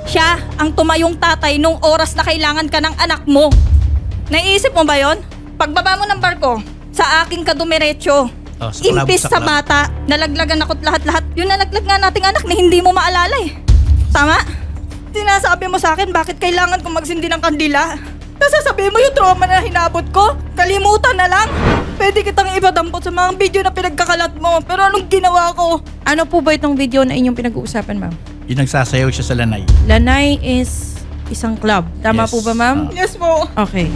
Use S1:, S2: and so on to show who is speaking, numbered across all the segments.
S1: Siya ang tumayong tatay nung oras na kailangan ka ng anak mo. Naiisip mo ba yon? Pagbaba mo ng barko, sa aking kadumiretso, impis sa bata, nalaglagan ako't lahat-lahat. Yung nalaglag nga nating anak na hindi mo maalala eh. Tama? Sinasabi mo sa akin bakit kailangan kong magsindi ng kandila. Nasasabihin mo yung trauma na hinabot ko? Kalimutan na lang. Pwede kitang ibadampot sa mga video na pinagkakalat mo. Pero anong ginawa ko?
S2: Ano po ba itong video na inyong pinag-uusapan, ma'am?
S3: Yung nagsasayaw siya sa lanay.
S2: Lanay is isang club. Tama
S3: Yes.
S2: po ba, ma'am?
S1: Yes po.
S2: Okay.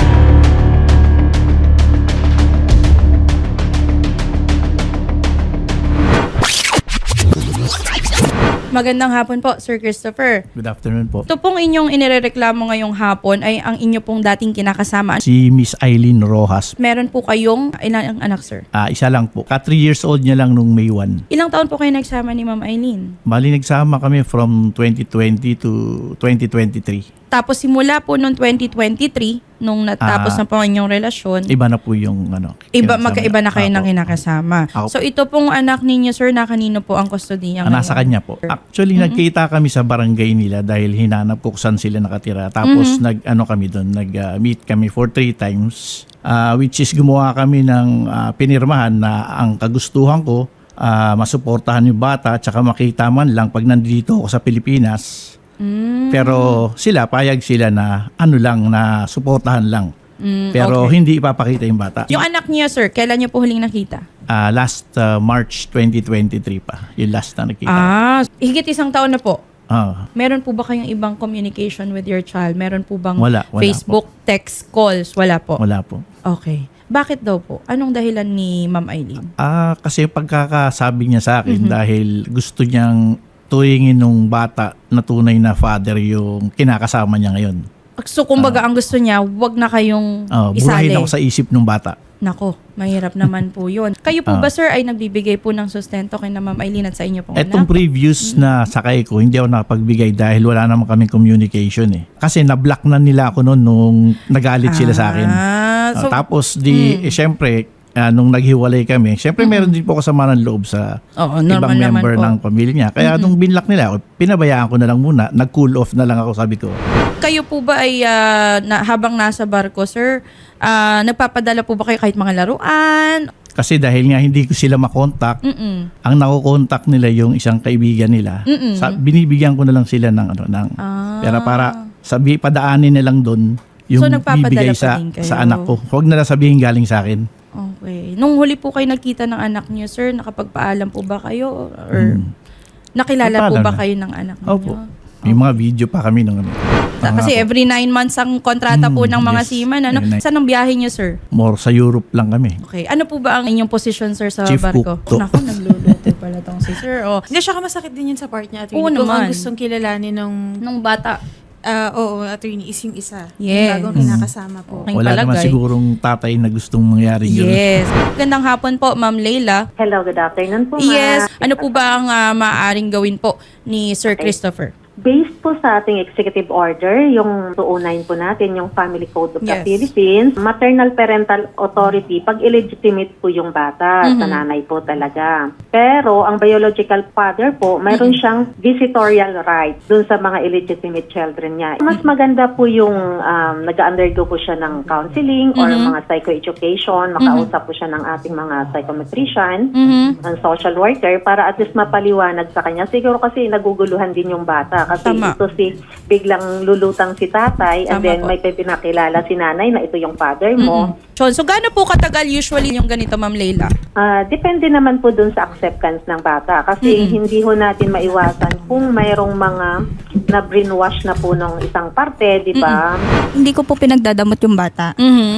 S2: Magandang hapon po, Sir Christopher.
S3: Good afternoon po.
S2: Ito pong inyong inireklamo ngayong hapon ay ang inyo pong dating kinakasama.
S3: Si Miss Eileen Rojas.
S2: Meron po kayong ilang anak, sir?
S3: Isa lang po. 3 years old niya lang nung May 1.
S2: Ilang taon po kayo nagsama ni Ma'am Eileen?
S3: Bali nagsama kami from 2020 to 2023.
S2: Tapos simula po noong 2023, nung natapos na po ang inyong relasyon,
S3: Iba na po yung kinasama
S2: magkaiba na kayo ng
S3: Apo.
S2: kinakasama.
S3: Ako.
S2: So ito pong anak ninyo, sir, na kanino po ang kustodiya
S3: Nasa kanya po. Actually, nagkita kami sa barangay nila dahil hinanap ko kung saan sila nakatira. Tapos nag-meet kami for 3 times. Which is gumawa kami ng pinirmahan na ang kagustuhan ko, masuportahan yung bata at saka makita man lang pag nandito ako sa Pilipinas. Pero payag sila na na suportahan lang. Pero
S2: okay.
S3: hindi ipapakita yung bata.
S2: Yung anak niya, sir, kailan niyo po huling nakita?
S3: Last March 2023 pa. Yung last na nakita.
S2: Higit isang taon na po.
S3: Ah.
S2: Meron po ba kayong ibang communication with your child? Meron po bang
S3: Wala
S2: Facebook, text, calls? Wala po.
S3: Wala po.
S2: Okay. Bakit daw po? Anong dahilan ni Ma'am Eileen?
S3: Kasi pagkakasabi niya sa akin dahil gusto niyang tuwingin nung bata na tunay na father yung kinakasama niya ngayon.
S2: So, kumbaga, ang gusto niya, wag na kayong
S3: Burahin
S2: isali.
S3: ako sa isip nung bata.
S2: Nako, mahirap naman po yun. Kayo po ba, sir, ay nagbibigay po ng sustento kay na Ma'am Eileen at sa inyo pong
S3: Etong
S2: anak?
S3: previous na sakay ko, hindi ako nakapagbigay dahil wala naman kaming communication eh. Kasi na-block na nila ako noon nung nagalit sila sa akin. Tapos syempre, nung naghiwalay kami, syempre meron din po kasama ng loob sa ibang member ng pamilya niya. Kaya nung binlock nila ako, pinabayaan ko na lang muna. Nag-cool off na lang ako, sabi ko.
S2: Kayo po ba ay habang nasa barko, sir, nagpapadala po ba kayo kahit mga laruan?
S3: Kasi dahil nga hindi ko sila makontak, ang nakokontak nila yung isang kaibigan nila. Binibigyan ko na lang sila ng pera para padaanin na lang doon yung bibigay sa anak ko. Huwag na lang sabihin galing sa akin.
S2: Okay. Nung huli po kayo nagkita ng anak niyo, sir, nakapagpaalam po ba kayo? Or nakilala po ba kayo ng anak niyo?
S3: Opo. May mga video pa kami ng
S2: Kasi every 9 months ang kontrata po ng mga seaman. Ano? Saan ang biyahe niyo, sir?
S3: More sa Europe lang kami.
S2: Okay. Ano po ba ang inyong position, sir, sa
S3: Chief
S2: barko?
S3: cook to.
S2: Naku, nagluluto pala tong si sir.
S4: Hindi, siya masakit din yun sa part niya, attorney.
S2: Oo
S4: Kung
S2: naman.
S4: ang gustong kilalanin
S2: Nung bata.
S4: oo, attorney, is yung isa.
S2: Yes.
S4: Yung bagong kinakasama po.
S2: Okay.
S3: Wala naman
S2: palagay.
S3: sigurong tatay na gustong mangyari yun.
S2: Yes. Gandang hapon po, Ma'am Leila.
S5: Hello, good afternoon po.
S2: Yes. Ano po ba ang maaaring gawin po ni Sir Christopher?
S5: Based po sa ating executive order, yung 209 po natin, yung Family Code of the
S2: Yes.
S5: Philippines, maternal parental authority, pag illegitimate po yung bata, sa nanay po talaga. Pero ang biological father po, mayroon siyang visitorial right dun sa mga illegitimate children niya. Mas maganda po yung nag-undergo po siya ng counseling or mga psychoeducation, makausap po siya ng ating mga psychometrician, ng social worker, para at least mapaliwanag sa kanya. Siguro kasi naguguluhan din yung bata. Kasi
S2: Tama.
S5: ito biglang lulutang si tatay and
S2: Tama
S5: then
S2: po.
S5: may pinakilala si nanay na ito yung father mo.
S2: So gaano po katagal usually yung ganito, Ma'am Leila?
S5: Depende naman po dun sa acceptance ng bata. Kasi hindi ho natin maiwasan kung mayroong mga na brainwash na po ng isang parte, di ba?
S1: Hindi ko po pinagdadamot yung bata.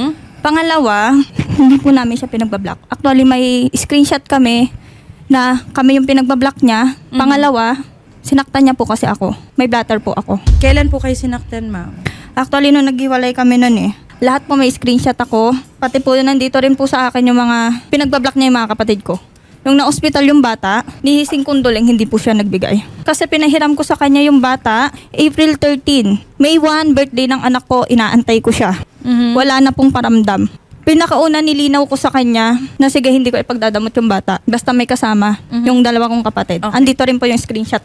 S1: Pangalawa, hindi po namin siya pinagbablock. Actually, may screenshot kami na kami yung pinagbablock niya. Pangalawa, sinaktan niya po kasi ako. May blatter po ako.
S2: Kailan po kayo sinaktan, ma'am?
S1: Actually, nung naghiwalay kami nun lahat po may screenshot ako. Pati po nandito rin po sa akin yung mga pinagbablock niya yung mga kapatid ko. Nung na-hospital yung bata, nihising kondoleng, hindi po siya nagbigay. Kasi pinahiram ko sa kanya yung bata, April 13. May 1, birthday ng anak ko, inaantay ko siya. Wala na pong paramdam. Pinakauna nilinaw ko sa kanya na sige, hindi ko ipagdadamot yung bata. Basta may kasama yung dalawa kong kapatid.
S2: Okay.
S1: Andito rin po yung screenshot nun.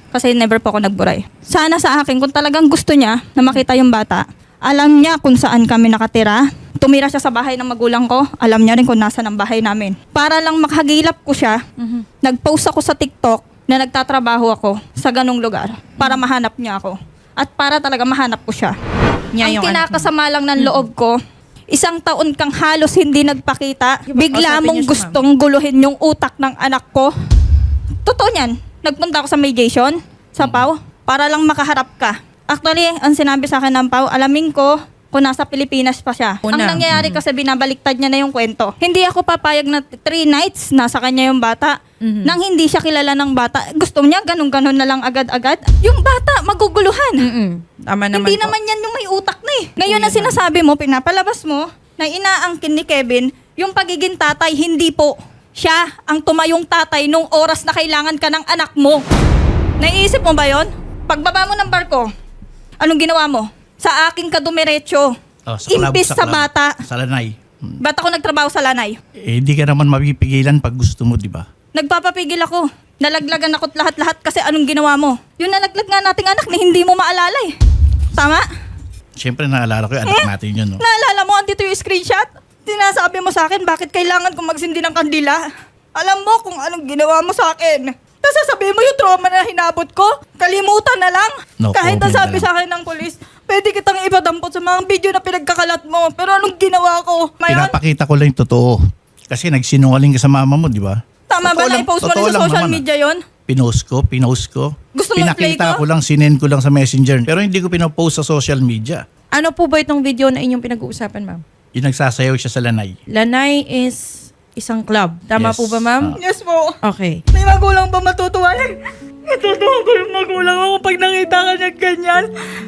S1: Kasi never po ako nagburay. Sana sa akin, kung talagang gusto niya na makita yung bata, alam niya kung saan kami nakatira. Tumira siya sa bahay ng magulang ko. Alam niya rin kung nasa ng bahay namin. Para lang makahagilap ko siya, nag-post ako sa TikTok na nagtatrabaho ako sa ganong lugar para mahanap niya ako. At para talaga mahanap ko siya.
S2: Niya
S1: Ang
S2: yung anak
S1: kinakasama lang ng loob ko, 1 taon kang halos hindi nagpakita.
S2: Yung
S1: Bigla
S2: kausapin
S1: mong
S2: niyo siya,
S1: gustong guluhin yung utak ng anak ko. Totoo niyan. Nagpunta ako sa mediation, sa PAW, para lang makaharap ka. Actually, ang sinabi sa akin ng PAW, alamin ko kung nasa Pilipinas pa siya.
S2: Una.
S1: Ang nangyayari kasi binabaliktad niya na yung kwento. Hindi ako papayag na 3 nights nasa kanya yung bata. Nang hindi siya kilala ng bata. Gusto niya ganun-ganun na lang agad-agad. Yung bata, maguguluhan.
S2: Tama naman
S1: Hindi
S2: po.
S1: naman yan yung may utak na eh. Ngayon ang sinasabi mo, pinapalabas mo, na inaangkin ni Kevin, yung pagiging tatay, hindi po. Siya ang tumayong tatay nung oras na kailangan ka ng anak mo. Naiisip mo ba yon? Pagbaba mo ng barko, anong ginawa mo? Sa aking kadumiretso, imbis sa bata.
S3: Sa lanay.
S1: Ba't ako nagtrabaho sa lanay?
S3: Hindi ka naman mapipigilan pag gusto mo, di ba?
S1: Nagpapapigil ako. Nalaglagan ako't lahat-lahat kasi anong ginawa mo? Yung nalaglag nga nating anak na hindi mo maalala eh. Tama?
S3: Siyempre naalala ko yung anak natin yun, no?
S1: Naalala mo, andito yung screenshot? Sinasabi mo sa akin, bakit kailangan kong magsindi ng kandila? Alam mo kung anong ginawa mo sa akin. Tapos sasabihin mo yung trauma na hinabot ko? Kalimutan na lang.
S3: No
S1: Kahit
S3: comment
S1: nasabi
S3: na lang.
S1: sa akin ng polis, pwede kitang ipadampot sa mga video na pinagkakalat mo. Pero anong ginawa ko? Mayon,
S3: Pinapakita ko lang yung totoo. Kasi nagsinungaling ka sa mama mo, di ba?
S1: tama ba
S3: Totoo
S1: na
S3: lang-
S1: i-post mo
S3: totoo
S1: rin sa
S3: lang
S1: social
S3: naman,
S1: media yon?
S3: Pinost ko.
S1: Gusto mo i-play
S3: Pinakita
S1: ko?
S3: ko lang, sinend ko lang sa messenger. Pero hindi ko pinopost sa social media.
S2: Ano po ba itong video na inyong pinag-uusapan, ma'am?
S3: Yung nagsasayaw siya sa lanay.
S2: Lanay is isang club. Tama
S3: Yes.
S2: po ba, ma'am?
S1: Yes po.
S2: Okay.
S1: May magulang ba matutuwa yan? Matutuwa ko yung magulang ako pag nakita ka niya ganyan.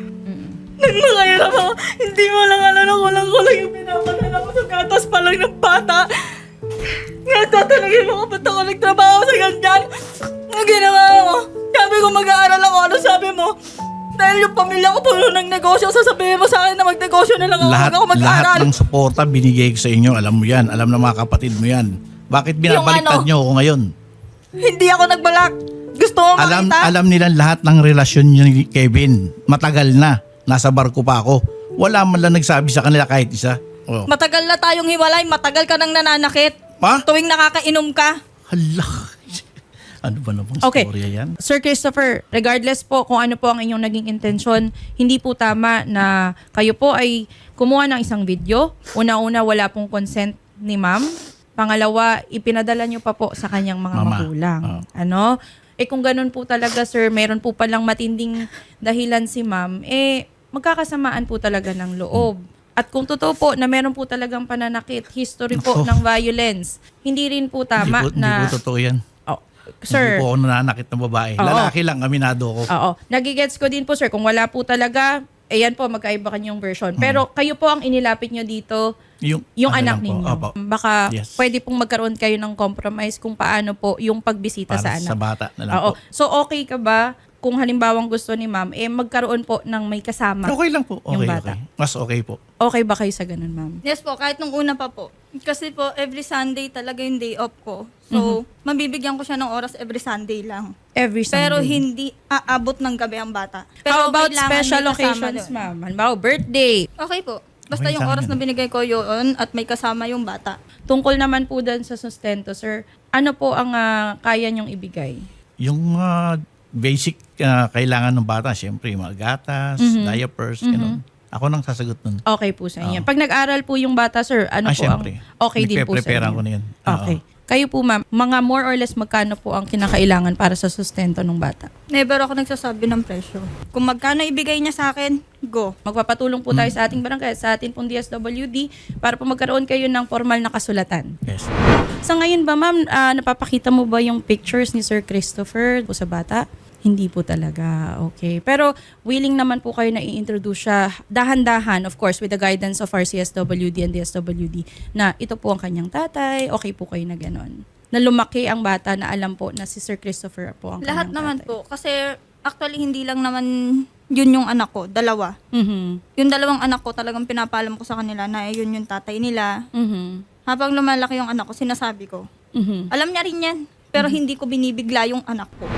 S1: Nagmakahirap ako. Hindi mo lang alam na kulang-kulang yung pinapadala ko sa gatas pa lang ng bata. Nagtatalagin mo ko ba't ako nagtrabaho sa ganyan? Ang ginawa mo? Sabi ko mag-aaral ako. Ano sabi mo? Dahil yung pamilya ko puno ng negosyo, sasabihin mo sa akin na magnegosyo na lang ako. Huwag ako mag-aaral.
S3: Lahat ng suporta binigay ko sa inyo. Alam mo yan. Alam ng mga kapatid mo yan. Bakit binabaliktad
S1: Yung ano?
S3: nyo ako ngayon?
S1: Hindi ako nagbalak. Gusto mo makita?
S3: Alam nila lahat ng relasyon niyo ni Kevin. Matagal na. Nasa barko pa ako. Wala man lang nagsabi sa kanila kahit isa. Oh.
S1: Matagal na tayong hiwalay. Matagal ka nang nananakit.
S3: Pa?
S1: Tuwing nakakainom ka.
S3: Hala. Ano ba namang
S2: Okay.
S3: storya yan?
S2: Sir Christopher, regardless po kung ano po ang inyong naging intensyon, hindi po tama na kayo po ay kumuha ng isang video. Una-una, wala pong consent ni ma'am. Pangalawa, ipinadala nyo pa po sa kanyang mga
S3: Mama.
S2: magulang.
S3: Oh.
S2: Ano? Kung ganun po talaga, sir, meron po palang matinding dahilan si ma'am, magkakasamaan po talaga ng loob. At kung totoo po na meron po talagang pananakit, history po
S3: Nako.
S2: ng violence, hindi rin po tama
S3: Hindi
S2: na...
S3: po totoo yan.
S2: Oh, sir,
S3: Hindi po ako nananakit ng babae.
S2: Oo.
S3: Lalaki lang, aminado ko.
S2: oo. Nagigets ko din po, sir. Kung wala po talaga, ayan po, magkaiba kanyang version. Pero kayo po ang inilapit nyo dito, yung
S3: ano
S2: anak
S3: lang po.
S2: ninyo.
S3: Opo.
S2: Baka
S3: Yes.
S2: pwede pong magkaroon kayo ng compromise kung paano po yung pagbisita
S3: Para
S2: sa anak.
S3: sa bata na lang
S2: Oo.
S3: po.
S2: So, okay ka ba kung halimbawang gusto ni ma'am, magkaroon po ng may kasama?
S3: Okay lang po.
S2: Yung
S3: Okay,
S2: bata.
S3: okay. Mas okay po.
S2: Okay ba kayo sa ganun, ma'am?
S1: Yes po, kahit nung una pa po. Kasi po, every Sunday talaga yung day off ko. So, mabibigyan ko siya ng oras every Sunday lang.
S2: Every Sunday.
S1: Pero hindi aabot ng gabi ang bata. Pero
S2: How about
S1: kailangan
S2: special
S1: may kasama
S2: occasions,
S1: doon.
S2: ma'am? Halimbawa, birthday.
S1: Okay po. Basta
S3: Okay
S1: yung
S3: sa
S1: oras
S3: amin.
S1: na binigay ko yun at may kasama yung bata.
S2: Tungkol naman po dun sa sustento, sir, ano po ang kaya niyong ibigay?
S3: Yung basic kailangan ng bata, syempre, yung mga gatas, diapers, ganun. Ako nang sasagot nun.
S2: Okay po sa inyo. Pag nag-aral po yung bata, sir, ano po
S3: syempre.
S2: ang okay din po sa
S3: Nagpe-preparean
S2: inyo?
S3: ko na yun.
S2: Okay. Kayo po, ma'am, mga more or less magkano po ang kinakailangan para sa sustento ng bata?
S1: Never ako nagsasabi ng presyo. Kung magkano ibigay niya sa akin, go.
S2: Magpapatulong po tayo sa ating barangay, sa ating pong DSWD para po magkaroon kayo ng formal na kasulatan.
S3: Yes.
S2: Sa ngayon ba, ma'am, napapakita mo ba yung pictures ni Sir Christopher po sa bata? Hindi po talaga. Okay. Pero willing naman po kayo na i-introduce siya dahan-dahan, of course, with the guidance of our CSWD and DSWD na ito po ang kanyang tatay, okay po kayo na ganon. Na lumaki ang bata na alam po na si Sir Christopher po ang
S1: Lahat
S2: kanyang
S1: naman
S2: tatay.
S1: po. Kasi actually hindi lang naman yun yung anak ko. Dalawa.
S2: Mhm.
S1: Yung dalawang anak ko talagang pinapalam ko sa kanila na yun yung tatay nila.
S2: Mhm.
S1: Habang lumalaki yung anak ko, sinasabi ko.
S2: Mhm.
S1: Alam niya rin yan. Pero hindi ko binibigla yung anak ko.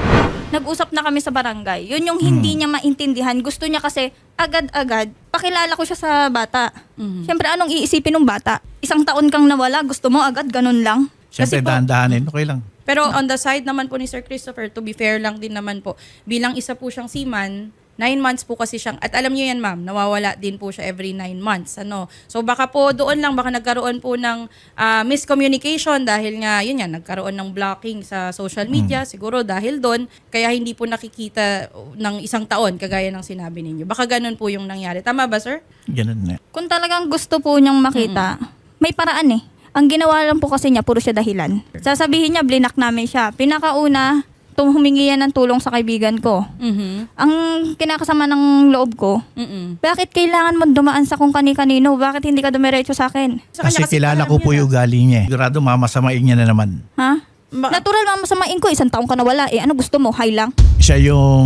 S1: nag-usap na kami sa barangay. Yun yung hindi niya maintindihan. Gusto niya kasi agad-agad, pakilala ko siya sa bata. Siyempre, anong iisipin ng bata? 1 taon kang nawala, gusto mo agad, ganun lang.
S3: Siyempre,
S2: Kasi po-
S3: dahan-dahanin. Okay lang.
S2: Pero on the side naman po ni Sir Christopher, to be fair lang din naman po, bilang isa po siyang seaman, 9 months po kasi siyang, at alam niyo yan ma'am, nawawala din po siya every 9 months. So baka po doon lang, baka nagkaroon po ng miscommunication dahil nga, yun yan, nagkaroon ng blocking sa social media, siguro dahil doon, kaya hindi po nakikita ng 1 taon, kagaya ng sinabi ninyo. Baka ganun po yung nangyari. Tama ba, sir?
S3: Ganun na.
S1: Kung talagang gusto po niyang makita, may paraan eh. Ang ginawa lang po kasi niya, puro siya dahilan. Sasabihin niya, blinak namin siya. Pinakauna, humingi yan ng tulong sa kaibigan ko. Ang kinakasama ng loob ko, bakit kailangan mo dumaan sa kung kani-kanino? Bakit hindi ka dumiretso sa akin?
S2: Sa kanya
S3: Kasi kilala ko
S2: alam
S3: po
S2: niya
S3: yung ugali niya. Sigurado mamasamain niya na naman.
S1: Ha? Natural lang masamain ko, 1 taong ka nawala. Ano gusto mo? High lang?
S3: Siya yung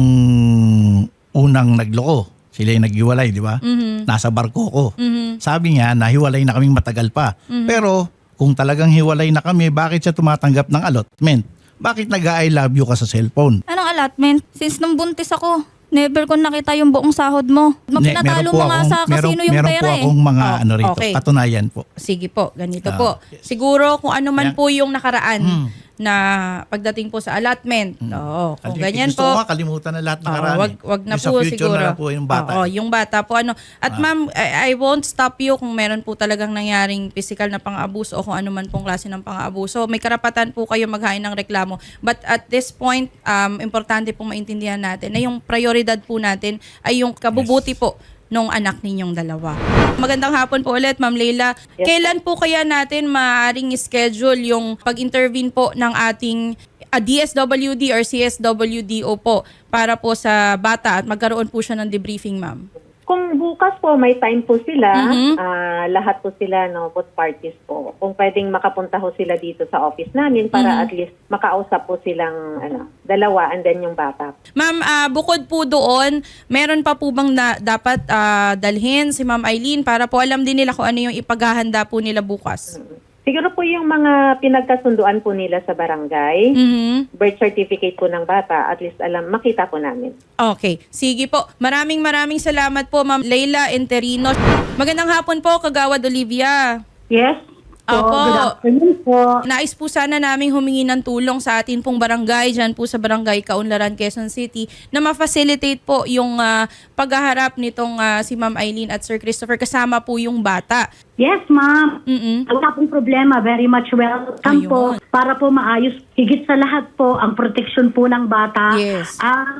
S3: unang nagloko. Sila yung naghiwalay, di ba? Nasa barko ko. Sabi niya, nahiwalay na kaming matagal pa. Pero kung talagang hiwalay na kami, bakit siya tumatanggap ng allotment? Bakit nag-I love you ka sa cellphone?
S1: Anong allotment? Since nung buntis ako, never ko nakita yung buong sahod mo. Pinatalo mo nga sa kasino yung
S3: meron
S1: pera
S3: po
S1: eh.
S3: akong mga
S2: Oh,
S3: ano rito,
S2: okay.
S3: patunayan po.
S2: Sige po, ganito
S3: Ah,
S2: po.
S3: yes.
S2: Siguro kung ano man
S3: Yan.
S2: po yung nakaraan na pagdating po sa allotment. Oo, kung ganyan
S3: Gusto
S2: po.
S3: ko nga kalimutan na lahat ng nakaraan.
S2: Wag na
S3: Yung sa
S2: po
S3: future
S2: siguro.
S3: na lang po yung bata.
S2: Oo, yung bata po. At ma'am, I won't stop you kung meron po talagang nangyaring physical na pang-abuso o kung ano man pong klase ng pang-abuso. May karapatan po kayo maghain ng reklamo. But at this point, importante pong maintindihan natin na yung prioridad po natin ay yung kabubuti po nung anak ninyong dalawa. Magandang hapon po ulit, Ma'am Leila. Kailan po kaya natin maaaring schedule yung pag-intervene po ng ating DSWD or CSWDO po para po sa bata at magkaroon po siya ng debriefing, ma'am?
S5: Kung bukas po may time po sila, lahat po sila, no, both parties po. Kung pwedeng makapunta ho sila dito sa office namin para at least makausap po silang dalawa and then yung bata.
S2: Ma'am, bukod po doon, meron pa po bang dapat dalhin si Ma'am Eileen para po alam din nila kung ano yung ipaghahanda po nila bukas?
S5: Siguro po yung mga pinagkasunduan po nila sa barangay, birth certificate po ng bata, at least makita po namin.
S2: Okay. Sige po. Maraming salamat po, Ma'am Leila Enterino. Magandang hapon po, Kagawad Olivia.
S6: Yes.
S2: Opo.
S6: Good afternoon po.
S2: Nais po sana naming humingi ng tulong sa atin pong barangay, dyan po sa barangay Kaunlaran, Quezon City, na ma-facilitate po yung paghaharap nitong si Ma'am Eileen at Sir Christopher kasama po yung bata.
S6: Yes, ma'am.
S2: Mm-mm.
S6: Wala pong problema. Very much welcome
S2: Ayun.
S6: po para po maayos. Higit sa lahat po, ang protection po ng bata.
S2: Yes.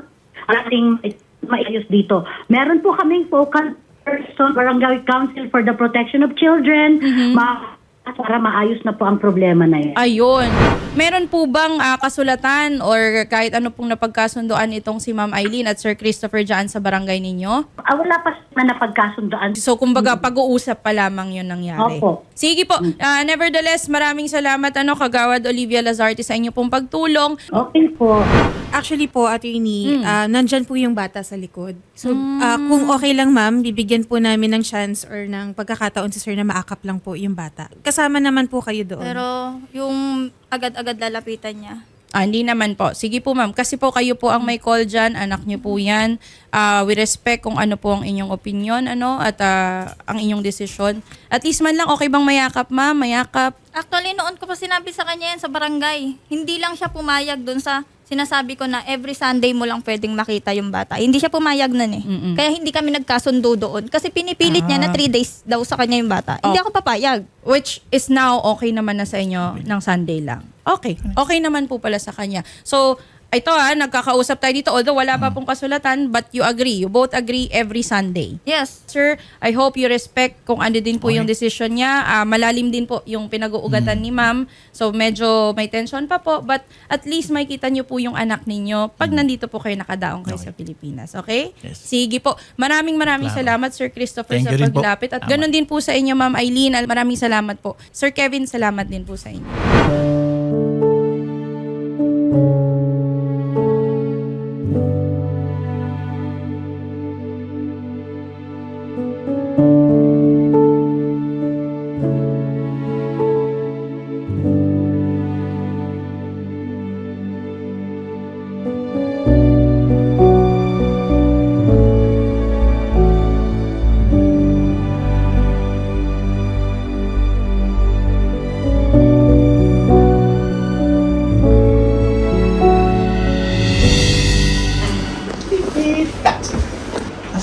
S6: Ating maayos dito. Meron po kaming focal person, Barangay Council for the Protection of Children. Para maayos na po ang problema na yan.
S2: Ayun. Meron po bang kasulatan or kahit ano pong napagkasundoan itong si Ma'am Eileen at Sir Christopher dyan sa barangay ninyo?
S6: Wala pa na napagkasundoan.
S2: So, kumbaga, pag-uusap pa lamang yun nangyari.
S6: Opo.
S2: Sige po. Nevertheless, maraming salamat, Kagawad Olivia Lazarte, sa inyo pong pagtulong.
S6: Okay po.
S4: Actually po, attorney, nandyan po yung bata sa likod. So, kung okay lang ma'am, bibigyan po namin ng chance or ng pagkakataon si sir na maakap lang po yung bata. Kasama naman po kayo doon.
S1: Pero yung agad-agad lalapitan niya.
S2: Hindi naman po. Sige po, ma'am. Kasi po kayo po ang may call dyan. Anak niyo po yan. We respect kung ano po ang inyong opinion, at ang inyong desisyon. At least man lang, okay bang mayakap, ma'am? Mayakap?
S1: Actually, noon ko pa sinabi sa kanya yan sa barangay. Hindi lang siya pumayag dun sa sinasabi ko na every Sunday mo lang pwedeng makita yung bata. Hindi siya pumayag nun eh. Kaya hindi kami nagkasundo doon. Kasi pinipilit niya na 3 days daw sa kanya yung bata. Hindi ako papayag.
S2: Which is now okay naman na sa inyo ng Sunday lang. Okay. Okay naman po pala sa kanya. So, ito nagkakausap tayo dito. Although wala pa pong kasulatan, but you agree. You both agree every Sunday.
S1: Yes.
S2: Sir, I hope you respect kung ano din po yung decision niya. Malalim din po yung pinag-uugatan ni ma'am. So medyo may tension pa po. But at least makita niyo po yung anak ninyo pag nandito po kayo nakadaong kayo sa Pilipinas. Okay?
S3: Yes.
S2: Sige po. Maraming salamat, Sir Christopher,
S3: Thank
S2: sa
S3: you rin po.
S2: paglapit. At ganun din po sa inyo, Ma'am Eileen. Maraming salamat po. Sir Kevin, salamat din po sa inyo.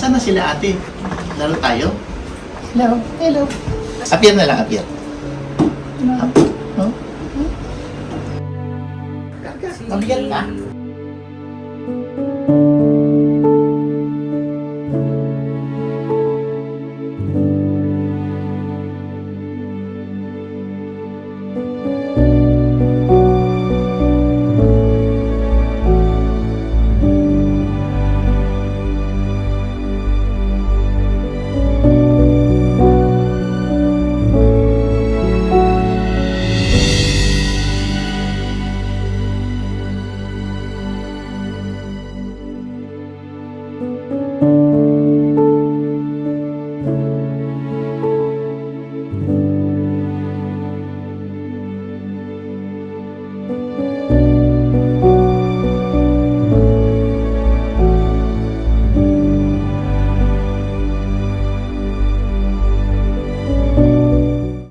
S3: Nasaan na sila ate? Laro tayo? Hello. Hello. Appear na lang, appear. Oh? Mabigat ka?